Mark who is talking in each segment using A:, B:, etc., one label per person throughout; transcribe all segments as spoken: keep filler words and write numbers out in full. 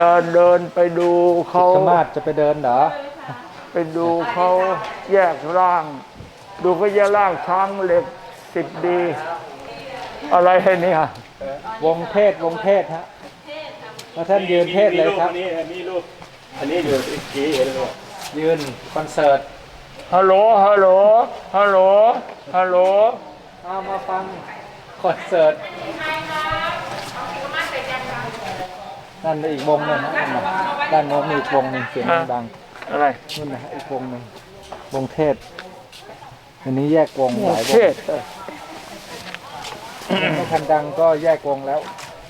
A: เดินเดินไปดูเขา
B: ธรรมาสจะไปเดินเหรอ
A: ไปดูเขาแยกร่าง ดูเขาแยกร่างช้างเหล็กสิบดีอะไรให้เนี่ยว
B: งเทศวงเทศฮะแล้วท่านยืนเทศเลยครับ
C: อันนี้อันนี้รูปอันนี้อยู่ที่กี้เห็นไหม
B: ยืนคอนเสิร์ต
A: ฮัลโหลฮัลโหลฮัลโหลฮัลโหล
B: เอามาฟังคอนเสิร์ตนั่นอีกวงหนึ่งนะด้านโน้นมีอีกวงหนึ่งเสียงดัง
A: อะไร
B: นู่นนะอีกวงหนึ่งวงเทศอันนี้แยกวงหลายวงไม่ทันดังก็แยกวงแล้ว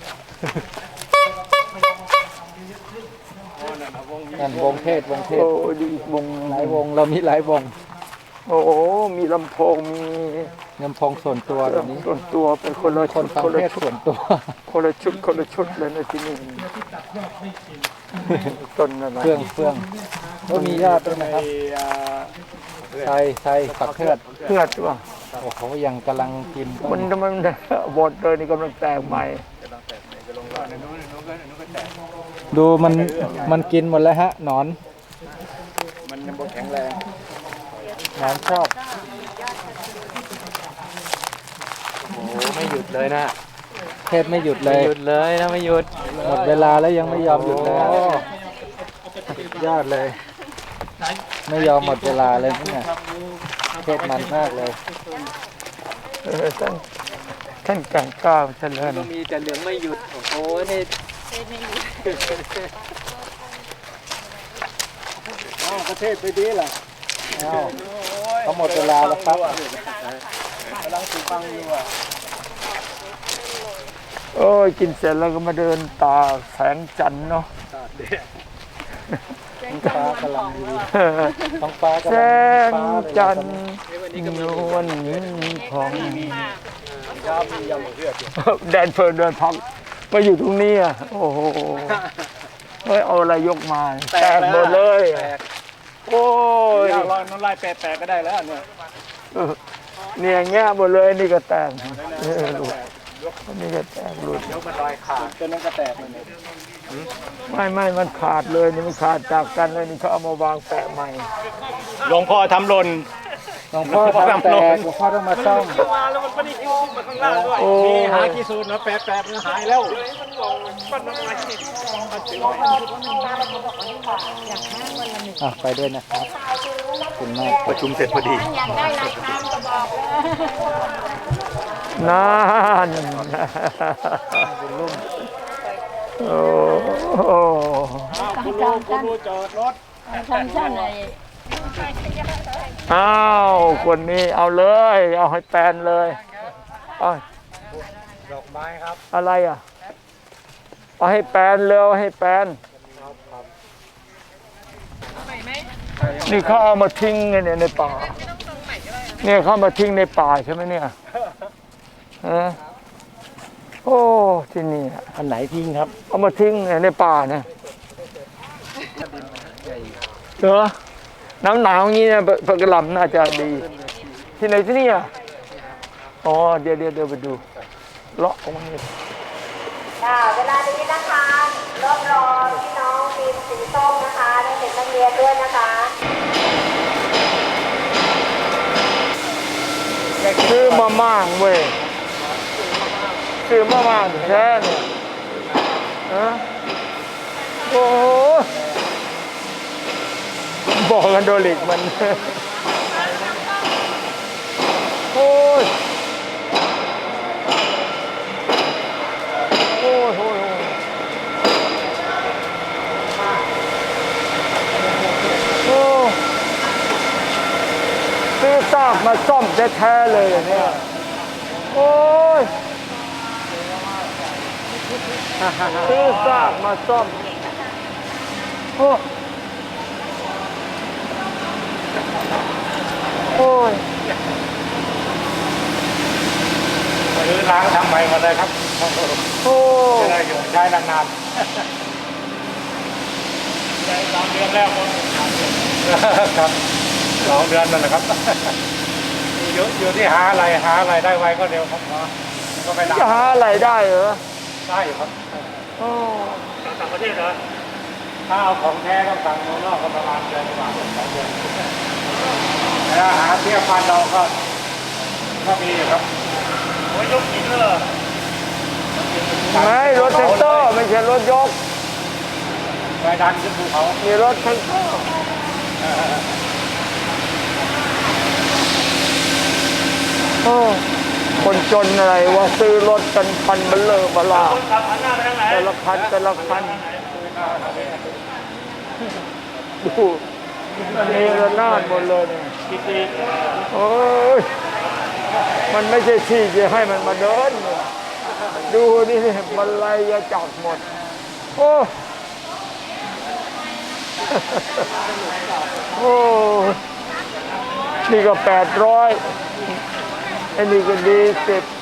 B: นั่นวงเทศวงเทศ
A: โอ้ดีอีกวง
B: หลายวงเรามีหลายวง
A: โอ้โหมีลำโพงมี
B: ลำโพงส่วนตัวแบบนี้
A: ส่วนตัวเป็นคนละ
B: คนฟังเทศส่วนตัว
A: คนละชุดคนละชุดเลยในที่นี่ต้นอะไร
B: เครื่องเครื่องก็มีญาติด้วยนะครับไทยไทยปักเทือด
A: เทือดว่ะ
B: โอ้โหยังกำลังกิน
A: มันมันบดเลยนี่กำลังแตกใหม่
B: ดูมันมันกินหมดแล้วฮะหนอน
C: มันยังบ่แข็งแรง
B: หนอนชอบ
C: โอ้ไม่หยุดเลยนะ
B: เทศไม่หยุดเลย
C: หยุดเลยนะไม่หยุด
B: หมดเวลาแล้วยังไม่ยอมหยุดเลยยอดเลยไม่ยอมหมดเวลาเลยเนี่ยเทศมันมากเลย
A: เออท่านท่านแก่งก้าวเจริญ
C: ก็มีแต่เหลืองไม่หยุดโอ้โหนี่อ้าวประเทศไปดีล่ะ
B: อ้าวเขาหมดเวลาแล้วครับ
C: กำลังสูฟังอยู่อ่ะ
A: โอ้ยกินเสร็จแล้วก็มาเดินตาแสงจันทร์เนาะ
B: ท้องฟ้ากำลังดีท้องฟ้ากำลัง
A: แสงจันทร์นวลพองแดนเพลินเดินพักมาอยู่ตรงนี้อ่ะโอ้โหเฮ้ยเอาอะไรยกมาแตกหมดเลยโอ้ย
C: ลอยน้ำลายแตกๆก็ได้แล้วเนี่ย
A: เนี่ยแง่หมดเลยนี่ก็แตกนี่ก็แตกหลุด
C: ยกมันลอยขาดจนนั้นก็แตกเลย
A: ไม่ไม่มันขาดเลยนี่มันขาดจากกันเลยนี่เขาเอามาวางแปะใหม่
C: หลวงพ่อทำหล่น
B: หลวงพ่อทำแตกหลวงพ่อต้องมาซ่อม
C: มาแล้วมันไม่ได้คิวมาข้างล่างด้วยมีหากี่สูตรแล้วแปะๆมันหายแล้ว
B: อ่ะไปด้วยนะครับขอบคุณมาก
C: ประชุมเสร็จพอดี
D: อยากได้รายการก็บอกเลย
A: นั่นโอ้โห
C: คุณลุงคุณลุงจอดรถ
D: ทำช่างไหน
A: อ้าวคนนี้เอาเลยเอาให้แปนเลยเอา
C: ดอกไม้ครับ
A: อะไรอ่ะเอาให้แปนเลยเอาให้แปนนี่เขาเอามาทิ้งเนี่ยในป่าเนี่ยเขามาทิ้งในป่าใช่ไหมเนี่ยฮะโอ้ที่นี่
B: อันไหนทิ้งครับ
A: เอามาทิ้งในป่าเนี่ยเหรอน้ำหนาวอย่างนี้เนี่ยผักกระหล่ำน่าจะดีที่ไหนที่นี่อ่ะอ๋อเดี๋ยวเดี๋ยวเดี๋ยวไปดูเลาะตรงนี้
D: ค่ะเวลานี้นะคะรอบรอพี่น้องทีมสีส้มนะคะได้เห็นนักเรียนด้วยนะคะ
A: ซื้อมาม่างเว้ยซื้อมาม่างแค่เนี่ยฮะโอ้บอกกันโดลิกมันโอ้ยโอ้ยโอ้ยโอ้ซื้อซากมาซ่อมแท้ๆเลยเนี่ยโอ้ยซื้อซากมาซ่อมโอ้โอ้ย
C: ซื้อล้างทำใหม่หมดเลยครับ
A: โอ้
C: จะได้อยู่ใช้นานๆใช้สามเดือนแล้วครับสองเดือนนั่นแหละครับอยู่อยู่ที่หาอะไรหาอะไรได้ไวก็เร็วครับ
A: ก็ไปจะหาอะไรได้เหรอ
C: ได้ครับ
A: โอ้
C: ต่างประเทศเหรอถ้าเอาของแท้ต้องสั่งเมืองนอกก็ประมาณเดือนกว่าสองเดือนแล้วหาเทียบพันเราก็ก็มีอยู่ครับโอ้ยยกหินเลย
A: ไม่รถแท็กเตอร์ไม่ใช่รถยก
C: ไปดันขึ้นภูเขา
A: มีรถแท็กเตอร์โอ้คนจนอะไรว่าซื้อรถกันพันเบลเลอร์บลา
C: คนขับหันหน้าไปทางไหน
A: แต่ละคันแต่ละคันดูนี่ระนาดหมดเลยเนี่ย
C: กิติ
A: โอ้ยมันไม่ใช่ที่จะให้มันมาเดินเนี่ยดูนี่มันไล่ยาจับหมดโอ้โอ้นี่ก็แปดร้อยไอ้นี่ก็ดีสิบ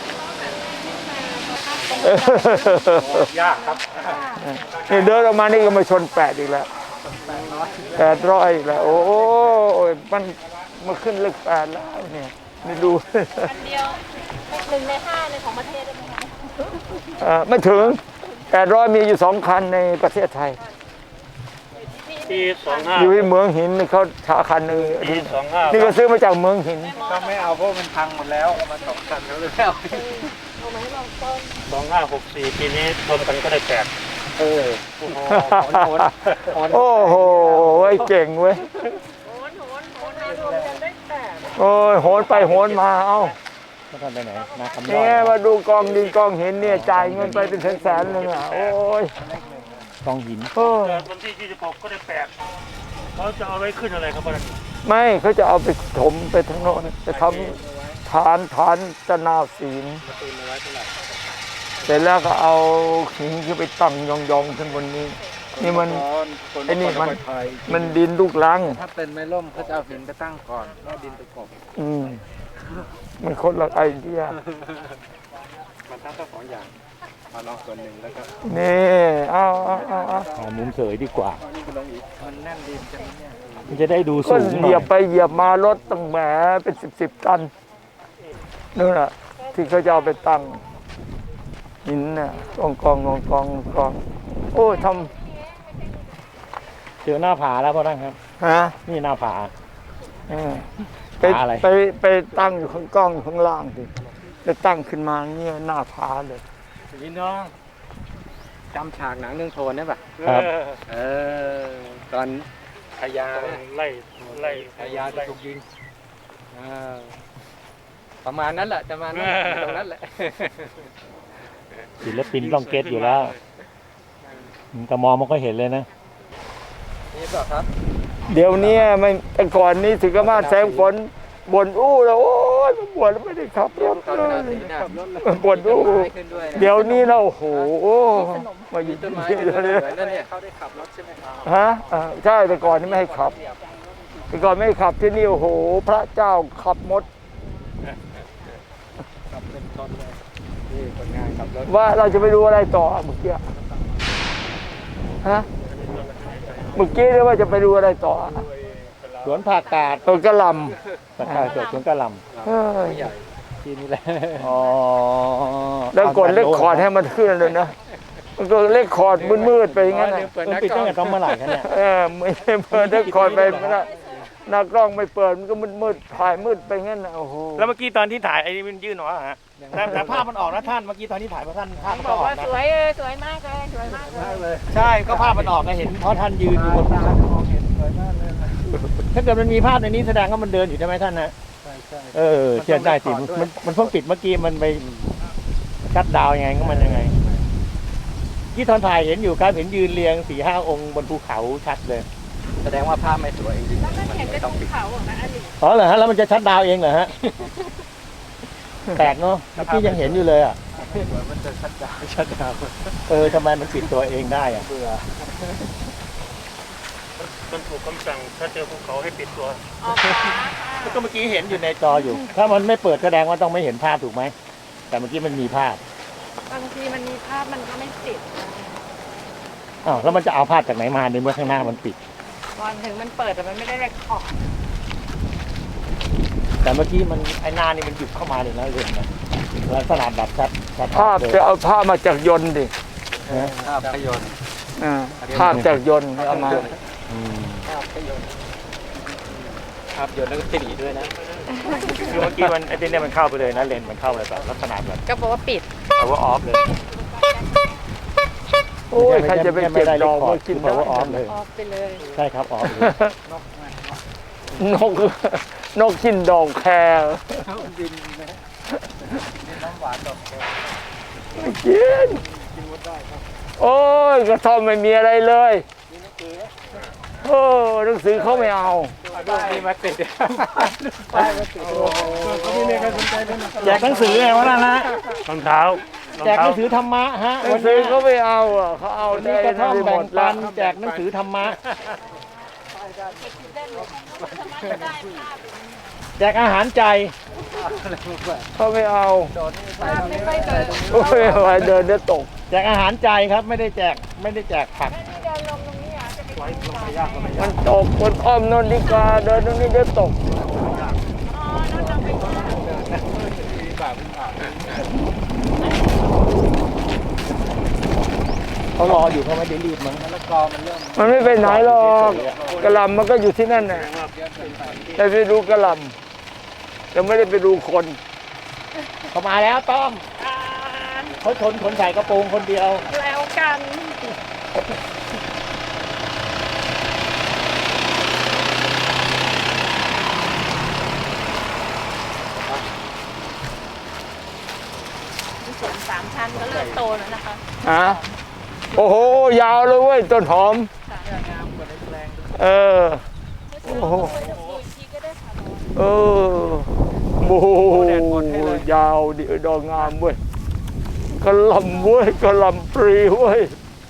C: ยากครับ
A: นี่เดินออกมานี่ก็มาชนแปดอีกแล้วแปดร้อยอีกแล้วโอ้ยมันมาขึ้นเลขแปดแล้วเนี่ยนี่ดู
E: อันเดียวหนึ่งในห้าในของประเทศได้ไหมคะ
A: เอ่อไม่ถึงแปดร้อยมีอยู่สองคันในประเทศไทย
C: ปีสองห้า
A: อยู่ที่เมืองหินเขาชาคันหนึง
C: ปีสองห้า
A: นี่ก็ซื้อมาจากเมืองหิน
B: ก็ไม่เอาเพราะมันพังหมดแล้วมาสองคันแล้วเลยไม่เอา
E: เอามาให้ลองต้น
C: สองห้าหกสี่ปีนี้รวมกันก็ได้แปด
B: เออโอ้โหโหดโหด
A: โอ้โหไอ้เก่งเว้ย
E: โหนโหนโหนมารวมกันได้แปด
A: โอ้ยโหนไปโหนมาเอ้า
B: มาทำไปไหนมาคำย
A: นี่
B: อ
A: ไง
B: ด
A: มาดูกองดินกองหินเนี่ยจ่ายเงินไปเป็นแสนๆเลยอ่ะโอ้ย
B: กองหิน
A: โอ้ย
C: เกิดวันที่ยี่สิบหกก็ได้แปดเขาจะเอาไว้ขึ้นอะไรครับพ่อ
A: ไม่เขาจะเอาไปถมไปทางโน้นจะทำฐานฐานตะนาศีลเสร็จแล้วก็เอาหินขึ้นไปตั้งยองๆขึ้นบนนี้ นี่มัน ไอ้นี่มัน มันดินลูกลัง
B: ถ้าเป็นไม่ล่มเขาจะเอาหินไปตั้งก่อนแล้วดินไปกบ
A: อืมมันคนละไอเดีย
B: มันทั้งสองอย่างมาลองส่วนหนึ่งแล้วก็
A: นี่เอาเอาเอาเอา
B: หามุมเสยดีกว่ามันแน่นดินจังเนี่ยมันจะได้ดู
A: ก็
B: สูงห
A: เห
B: น่
A: ยี
B: อย
A: บไปเหยียบมารถตั้งแหมเป็นสิบสิบตันนู่นน่ะ ที่เขาจะเอาไปตั้งหินน่ะกองกองกองกองกองโอ้ยท
B: เจอหน้าผาแล้วพ่อท่านครับ
A: ำฮะ
B: นี่หน้าผา
A: เออไป
B: ผาอะไร
A: ไปไปตั้งอยู่ข้างกล้องอยู่ข้างล่างสิจะตั้งขึ้นมาเงี้ยหน้าผาเลย
B: พี่น้องจำฉากหนังเรื่องโทนได้ปะ
C: ครับ
B: เออตอนพญา
C: ไล่ไล่
B: พญาจะถูกยิงอ่าประมาณนั้นแหละประมาณนั้นตรงนั้นแหละ
F: ศิลปินต้องเก็ตอยู่แล้วแต่มองมันก็เห็นเลยนะ
B: นี่เปล่าครับ
A: เดี๋ยวนี้ไม่แต่ก่อนนี้ถึงกับมาแสงฝนบ่นอู้แล้วโอ้ยบ่นแล้วไม่ได้ขับรถ
B: ตอน
A: เล
B: นั้น
A: ย
B: สีน่ะ
A: บ่นอู้
B: ต้นไม้ขึ้นด้วยนะ
A: เดี๋ยวนี้เราโอ้โหมาอยู่
B: ต้นไม้
A: ที่
B: ขึ้นด้วย
A: นี่
B: เหมือนนั่นเนี่ยเขาได้ขับรถใช่ไหมครับ
A: ฮะอ่าใช่แต่ก่อนนี่ไม่ให้ขับ แต่ก่อนไม่ให้ขับที่นี่โอ้โห พระเจ้าขับหมด
B: ขับเป็นต้นเลยนี่คนงานขับรถ
A: ว่าเราจะไปดูอะไรต่อเมื่อกี้ฮะเมื่อกี้เรียกว่าจะไปดูอะไรต่อ
F: สวนผักกาด
A: ตัวกระหล
F: ผักกาดสดสวนกระหล
A: ำเฮ้ย
B: ใหญ่
F: ำที่นี่แหละ
A: อ๋อแล้วกดเลขคอร์ดให้มันขึ้นเลยนะมันก็เลขคอร์ดมืดๆไปอย่างนั้นน่ะ
B: เปิด
F: มัน
B: นัก
F: ปิด
B: กล้
F: ตั้
B: อง ง
F: แต่ตอนเมื่อไหร่คะเนี่ย
A: เออไม่ได้เปิดเลขคอร์ดไปไม่ได้หน้ากล้องไม่เปิดมันก็มืดๆถ่ายมืดไปงั้นน่ะโอ้โห
F: แล้วเมื่อกี้ตอนที่ถ่ายไอ้นี่มันยื่นออกมาฮะแต่แต่ภาพมันออกนะท่าน เมื่อกี้ตอนที่ถ่ายพระท่านภาพมัน
E: บ
F: ก็
E: อก
F: ออก
E: ว่า
F: นะ
E: สวยเออสวยมากเลยสวยมากเลย
F: ใช่ ก็ภาพมันออกนะเห็นเพราะท่านยืนอยู่บนภูเขา
B: มองเห็นสวยมากเลยนะ
F: ถ้าเกิดมันมีภาพในนี้แสดงว่ามันเดินอยู่ใช่ไหมท่านนะ
B: ใช่ใช่
F: เออเชื่อได้สิมันมันเพิ่งปิดเมื่อกี้มันไปชัดดาวน์ยังไงก็มันยังไง ที่ตอนถ่ายเห็นอยู่ครับเห็นยืนเรียงสี่ห้าองค์บนภูเขาชัดเลย
B: แสดงว่าภาพไม่สวยจริง
E: แล้วก็เห็นเป็นภูเขาของนะอันนี้
F: อ๋อเหรอฮะแล้วมันจะชัดดาวน์เองเหรอฮะ แปลกเนาะเมื่อกี้ยังเห็นอยู่เลยอ่ะ
B: ๆมันจะชัดดาวชัดดาว
F: เออทำไมมันปิดตัวเองได้อ่ะ
B: เบื่อ
C: มันถูกคำสั่งถ้าเจอภูเขาให้ปิดตัว
E: ออกฟ้าค่ะ
F: ก็เมื่อกี้เห็นอยู่ในจออยู่ ถ้ามันไม่เปิดแสดงว่าต้องไม่เห็นภาพถูกไหม แต่เมื่อกี้มันมีภาพ
E: บางทีมันมีภาพมันก็ไม่ติด
F: อ้าวแล้วมันจะเอาภาพจากไหนมาในเมื่อข้างหน้ามันปิด
E: ก่อนถึงมันเปิดแต่มันไม่ได้เรคคอร์ด
F: แต่เมื่อกี้มันไอ้หน้านี่มันหยุดเข้ามาเลยนะเรื่องนะลักษณะแบบชัดชัด
A: ภาพ
F: เลย
A: จะเอาภาพมาจากยนต์ดิ
F: นะ
B: ภาพยนตร์
A: อ่าภาพจากยนต์เอามา
B: ครับโยนแล้วก็ตีด้วยนะ
F: คือเมื่อกี้มันไอ้เนี่ยมันเข้าไปเลยนะเลนมันเข้าไปแบบลักษณะแบบ
E: ก็บอกว่าปิด
F: power off เลย
A: โอ้ยใครจะไปเก็บดอกมากิน
B: เพราะว่าออฟเลย
E: ออกไปเลย
B: ใช่ครับออฟเลย
A: นกนกกินดอกแครไม่กินโอ้ยกระท่อมไม่มีอะไรเลยโอ้หนังสือเขาไม่เอา
B: มีมาติด
F: แจกหนังสือไงวะนั่นนะรองเท้ารอง
B: แจกห
F: เท้า
B: นังสือธรรมะฮะ
A: หนังสือเขาไม่เอาอ่ะเขาเอา
B: วันนี้กระท่อม
A: ได้
B: แบ่
A: ห
B: ง
A: มด
B: ปั
A: ละ
B: นแจกหนังสือธรรมะแจกอาหารใจ
A: เขาไม่เอา
E: ไม่ค่อยเจอ
A: โอ้ยไปเดินเดี๋ยวตก
B: แจกอาหารใจครับไม่ได้แจกไม่ได้แจกผัก
A: มันตกบนอ้อมนนดิกาเดินตรงนี้เดี๋ยวตก
B: เขารออยู่เขาไม่ได้รีบมั้ง
A: มันไม่ไปไหนหรอกกระหลำมันก็อยู่ที่นั่นน่ะแต่ไปดูกระหลำแต่ไม่ได้ไปดูคน
B: เขามาแล้วต้อมเขาชนคนใส่กระโปรงคนเดียว
E: แล้วกัน สวนสามชั้นก็เริ่มโตแล้วนะคะ
A: ฮะโอ้โหยาวเลยเว้ยต้นหอมเออโอ้โหเออโอ้โหยาวดิดอกงามเว้ยกระหลำเว้ยกระหลำปรีเว้ย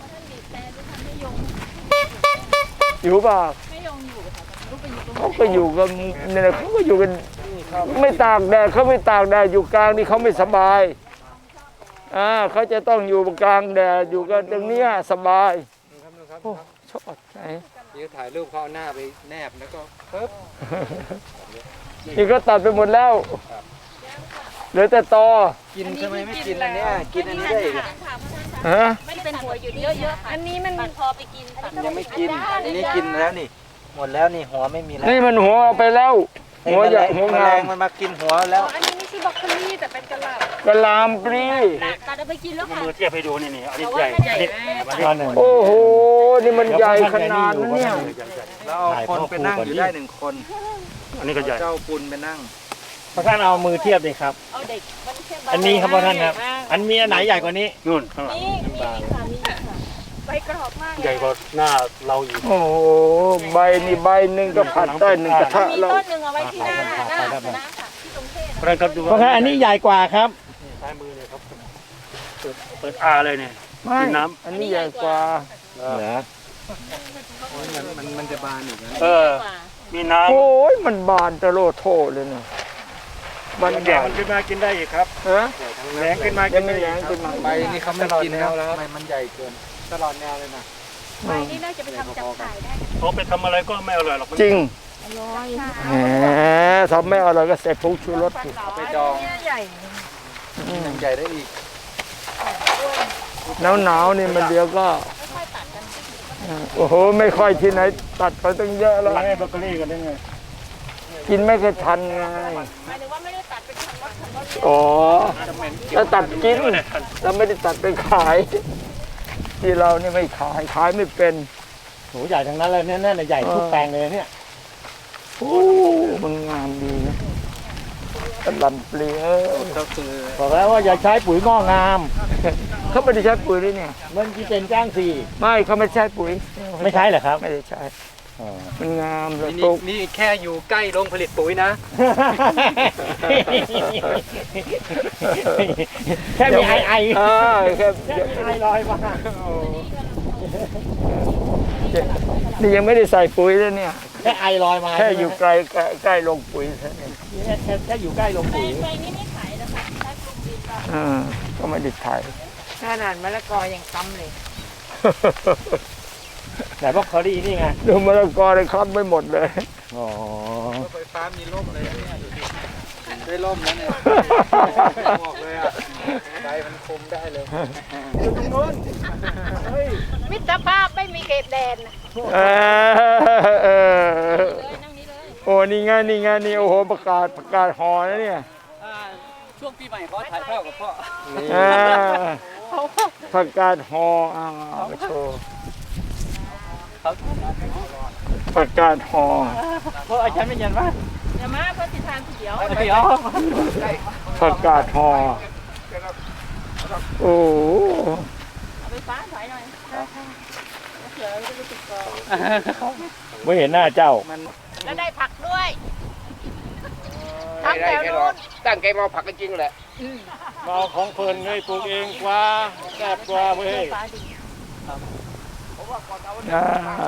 A: อยู่ป่ะ
E: ไม่ยอมอยู่ค่ะลูกไปอยู่ตรง
A: เขาก็อยู่กันเนี่ยนะเขาก็อยู่กันไม่ตากแดดเขาไม่ตากแดดอยู่กลางนี่เขาไม่สบายอ่าเขาจะต้องอยู่กลางแดดอยู่กันตรงเนี้ยสบายโอ้ชอบไหน
B: นี่ถ่ายรูปเขาหน้าไปแนบแล้วก็ปึ๊บ
A: นี่ก็ตัดไปหมดแล้วเหลือแต่ตอ
B: กินใช่ไหมไม่กินอันเนี้ยกินอันนี้ได้อีก
A: ฮะ
E: ไม่เป็นหัวอยู่เยอะๆค่ะอันนี้มันพอไปกินตัด
B: ยังไม่กินอันนี้กินแล้วนี่ หมดแล้วนี่หัวไม่มีแล้ว
A: นี่มันหัวเอาไปแล้ว หัวใหญ่หัว
B: แม
A: งา
B: ล
A: ม
B: งมันมากินหัวแล้ว
E: อันนี้ไม่ใช่บรอกโคลีแต่เป็นกระหล่ำ
A: กระลามปรี
E: ตัดเอาไปกินแล้วค่ะ
F: มือเทียบให้ดูนี่นี่อันนี้
E: แต่
F: ให
E: ว่า
F: ญ่
E: มันใหญ่
F: อัน
E: แม่
F: นี้
A: โอ้โหนี่มันใหญ่ขนาดนั้นเนี่ย
B: แล้วเอาคนไปนั่งอยู่ได้หนึ่งคน
F: อันนี้ก็ใหญ่
B: เจ้าปุณไปนั่ง
F: พระท่านเอามือเทียบเลยครับ
E: เอาเด็กมันแค่
F: อันนี้ครับพระท่านครับ อันมีอันไหนใหญ่กว่านี้นู่นข้างหลัง
E: นี่มีค่ะมีค่ะใบกรอบมากเลย
F: ใหญ่กว่าหน้าเราอีก
A: โอ้โหใบนี่ใบหนึ่งก็ผัดได้หนึ่งกระทะ
E: มี
A: แล้ว
E: ต้นหนึ่งเอาไว้ที่หน้าหน้าหน้าค่ะที่ตรงเทศ
F: พระท่านครับดู
B: เพราะงั้นอันนี้ใหญ่กว่าครับ
F: ซ้ายมือเลยครับเปิดเปิดอาเลยเนี่ย
A: ไม่
F: กินน้
A: อันนี้ใหญ่กว่า
B: เหรอมันมันจะบานอีกนะ
F: ำเออ มีน้
A: โอ้ยมันบานตะโลโทเลยนะมัน
F: ำ
A: ให
F: แด
A: ญ่
F: งมันขึ้นมากินได้อีกครับ
A: ฮะ
F: แรงขึ้นมา
A: ยั
F: กิ
A: ง
F: น
A: ไม่
F: ได้
A: แร
F: อี
A: ง
F: ก
A: ขึ้นมา
B: ใบนี่เขาไม่กินแล้วทำไมมันใหญ่เกินตลอดแนวเลยนะ
E: ใบนี่น่าจะไปทำจับขายได้
F: เขาไปทำอะไรก็ไม่อร่อยหรอกมัน
A: จริง
E: ร้อย
A: แหมทำไม่อร่อยก็ใส่ผงชูรสสิ
B: เอาไปดอง
E: เนี่ยใหญ่
B: ยังใหญ่ได้อีก
A: หนาวหนาวๆนี่มันเดียวก็
E: ค่อยๆตัดกัน
A: โอ้โหไม่ค่อยที่ไหนตัดไปตั้งเยอะแล้ว
F: ร้านให้เบเกอรี่กันได้ไง
A: กินไม่เคยทันไง
E: หมายถึงว่าไม่ได้ตัดเป็นคันรถคันรถ
A: อ๋อแล้วตัดกินแล้วไม่ได้ตัดไปขาย ที่เรานี่ไม่ขายขายไม่เป็น
B: โหใหญ่ทั้งนั้นเลยเนี่ยน่าใหญ่ทุกแปลงเลยเนี่ย
A: โอ้มันงามดีนะกระหลำปลีเออ
B: ก็คือบอกแล้วว่าอย่าใช้ปุ๋ยงอกงาม
A: เขาไม่ได้ใช้ปุ๋ยด้วยเนี่ย
B: มันที่เป็นจ้างสี่
A: ไม่เขาไม่ใช้ปุ๋ย
B: ไม่ใช่เหรอครับ
A: ไม่ได้ใช้ มันงามเลยป
B: นี่
A: ลูก
B: นี่แค่อยู่ใกล้โรงผลิตปุ๋ยนะ แค่มีไอไอ
A: อ่าแค่
B: แค่มีไอลอยมา
A: นี่ยังไม่ได้ใส่ปุ๋ยเลยเนี่ย
B: แค่ไอลอยมา
A: แค่อยู่ไกลใกล้ใกล้ลงปุ๋ยแค่นั้น
B: แค่แค่แค่อยู่ใกล้โรง
E: ใบ
B: ปุ๋ย
E: ใบนี้ไม่ขายนะคะใช้กลุ่มดินเรา
A: อ่าก็ไม่ได้ถ่าย
E: ขนาดมะละกอยังซ้ำเลย
B: ไหนบอกคอรี่นี่ไง
A: ดูมะละกอเลยครับไม่หมดเลย
B: อ๋อไฟฟ้ามีร่มเลยได้ร่มแล้วเนี่ยบอกเลยอ่ะไฟมันคุมได้เลยอยู่ตรงนู้นเฮ้ย
E: มิตรภาพไม่มีเขตแดนนะ
A: เออเออ
E: เลยนั่งนี้เลย
A: โอ้นี่ไงนี่ไงนี่โอ้โหประกาศประกาศหอนะเนี่ย
B: ช่วงปีใหม่เขาถ่ายภาพกับพ่อ
A: อ่าประกาศหออ้าวมาโชว์ประกาศหอ
B: พ่ออาจารย์ไม่ยันว่า
E: เดี๋ยวมาเพื่อสิทานทีเดียว
B: เดี๋ยว
A: ประกาศหอโอ้โห
E: เอาไปฟ้าถอยหน่อยเผื่อจะรู้สึกก่อน
F: ไม่เห็นหน้าเจ้า
E: แล้วได้ผักด้วยทั้งแถวนู้น
C: ตั้งใจมาผักกันจริงแหละ
F: มาเอาของเพลินให้ปลูกเองกว่าแซ่บกว่าเว้ย
E: ฟ้าดี
A: อ่า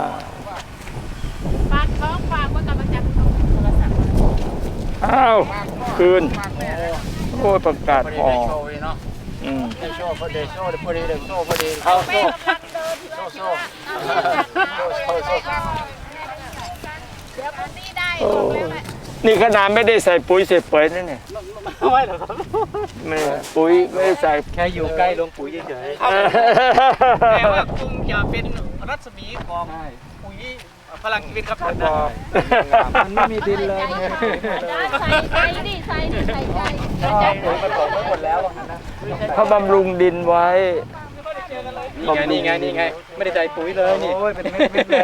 E: ฝากท้องฝากไว้กับอาจารย์โทรศัพท์
A: อ้าวคืนโอ้ยประกาศหอ
C: โชว์เนาะ
A: อืม
C: ได้โชว์พอดีโชว์พอดีเลยโชว์พอดี
E: เอาแม่กำลังเดินอยู่เลยคิดว่าเอาแม่กำลังเดี๋ยวคนนี้ได้บอกแล้วแหละ
A: นี่ขนาดไม่ได้ใส่ปุ๋ยใส่เปรย์นั่นเนี่ย
B: ไม่หรอกครับ
A: ไม่ปุ๋ยไม่ได้ใส่
B: แค่อยู่ใกล้ลงปุ๋ยเฉย
G: แต่ว่าคงจะเป็นรัศมีของปุ๋ยพลังชีวิตครับท่าน
B: มันไม่มีดินเลย
E: ใส่ใจดิใส่ดิใส่ใจใส่ใจ
B: ปุ๋ยผสมไปหมดแล้วนะ
A: เขาบำรุงดินไว้
B: นี่ไงนี่ไงนี่ไงไม่ได้ใส่ปุ๋ยเลยนี่โอ้ยเป็นเม็ดๆเลย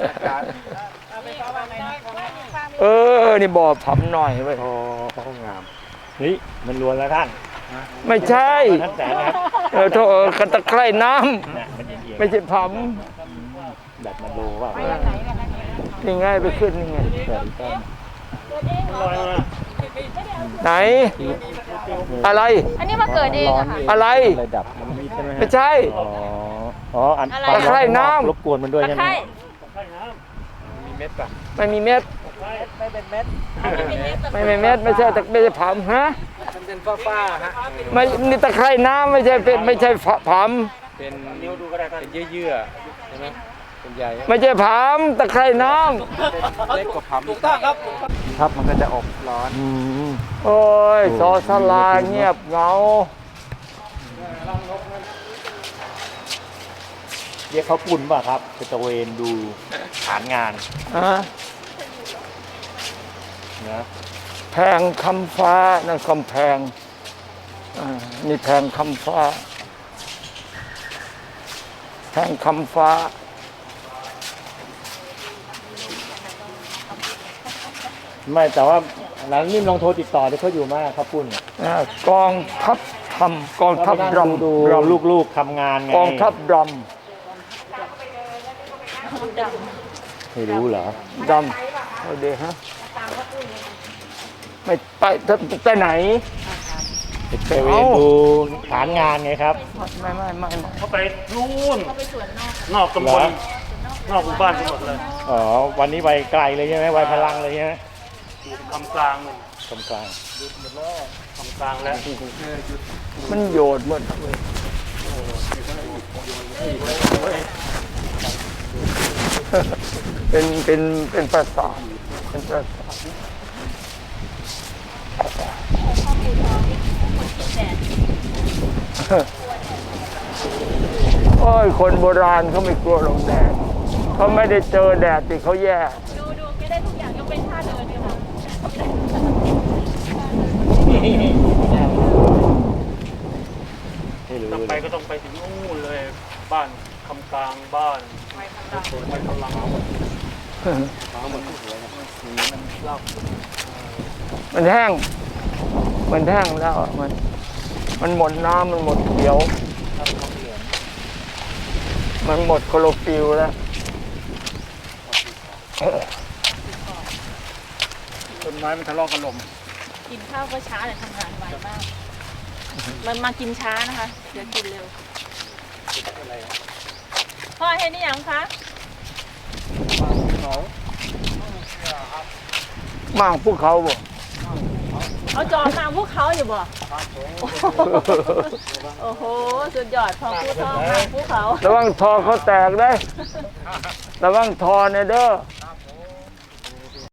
A: เออ นี่บ่อผำหน่อยเว้ย
F: โอ้ห้องงามนี่มันรวนแล้วท่าน
A: ไม่ใช่
F: ท่านแสนนะครับ
A: เออโทษเออกันตะไคร่น้
F: น่ะมันเอียง
A: ำไม่ใช่ผ
F: ๆแบบมันโลว่า
A: ำนี่ไงไปขึ้นนี่ไง
F: เกิดต้น
A: ไหน อะไร
E: อันนี้มาเกิดเองอะค่ะ
A: อะไร
F: ระดับมันมีใช่ไหมฮะ
A: ไม่ใช่
F: อ๋ออ๋ออัน
E: อะไร
A: ตะไคร่น้ำ
F: รบกวนมันด้วย
E: ตะ
F: ใช่ไหม
E: ไคร้
B: มีเม็ดป่ะ
A: ไม่มีเม็ด
B: ไม่เป็นเม็ด
A: ไม่มีเม็ด ไม่ใช่ตะไม่ใช่ผำฮะ
B: มันเป็นฝ้าๆฮะ
A: ไม่นี่ตะไคร่น้ำไม่ใช่เป็นไม่ใช่ผผ
B: เป็นนิ้วดูก็ได้เป็นเยื่อๆใช่ไหมเป็นใย
A: ำไม่ใช่ผำตะไคร่น้
B: เล็กกว่าผำ
G: ถูกต้องครับ
B: ครับมันก็จะอบร้อน
F: อืม
A: ำโอ้ยสอสลาเงียบเหงา
F: เรียกเขาปุ่นป่ะครับจะตระเวนดูฐานงาน
A: ฮะ
F: นะ
A: แพงคำฟ้านั่นคำแพงอ่านี่แพงคำฟ้า แพงคำฟ้า
F: ไม่แต่ว่าหลังนิ่มลองโทรติดต่อที่เขาอยู่มากครับปุ่น
A: อ่ากองทัพทำกองทัพดำ
F: ดู
A: ดำ
F: ลูกๆทำงานไง
A: กองทัพด
F: ไม่รู้เหรอ
A: ำดำเอาเดี๋ยวฮะไม่ไปไปไหน
F: ไปตระเวนดูฐานงานไงครับ
A: ไม่ไม่ไม่ไม่
F: เขาไปนู่น
E: เขาไปสวนนอก
F: นอกตำบลนอกหมู่บ้านทั้งหมดเลยอ๋อวันนี้ไปไกลเลยใช่ไหมไปพลังเลยใช่ไหม
H: คำกลาง
F: กำกลาง
H: คำกลางแล้ว
A: มันโยดหมดเลยเป็นเป็นเป็นประสาทเป็นประสาทโอ้ยคนโบราณเขาไม่กลัวหรอกแดดเขาไม่ได้เจอแดดที่เขาแย่
E: ดูดูแกได้ทุกอย่างยกเป็นท่าเดินเนี่ยค่ะ
F: ไม่รู้
H: ต้อง
F: เล
H: ไป
F: ย
H: ก็ต้องไปถึงนู่นเลย บ้านคำกลางบ้านไว้กำลัง
A: มันแห้ง มันแห้งแล้วอะมัน มันหมดน้ำมันหมดเขียว มันหมดโคโลฟิลแล้ว
H: ต้นไม้มันทะเลาะกันลม
E: กินข้าวก็ช้าแต่ทำงานไวมาก มันมากินช้านะคะ เดี๋ยวกินเร็วพ่อเห็นนี่ยังคะ
A: มากภูเขาบ่
E: เอาจอมาพวกเขาอยู่บ่โอ้โห สุดยอดพอพูดท้องมาพวกเขา
A: ระวังทอเขาแตกได้ ระวังทอเนี่ยเด้อ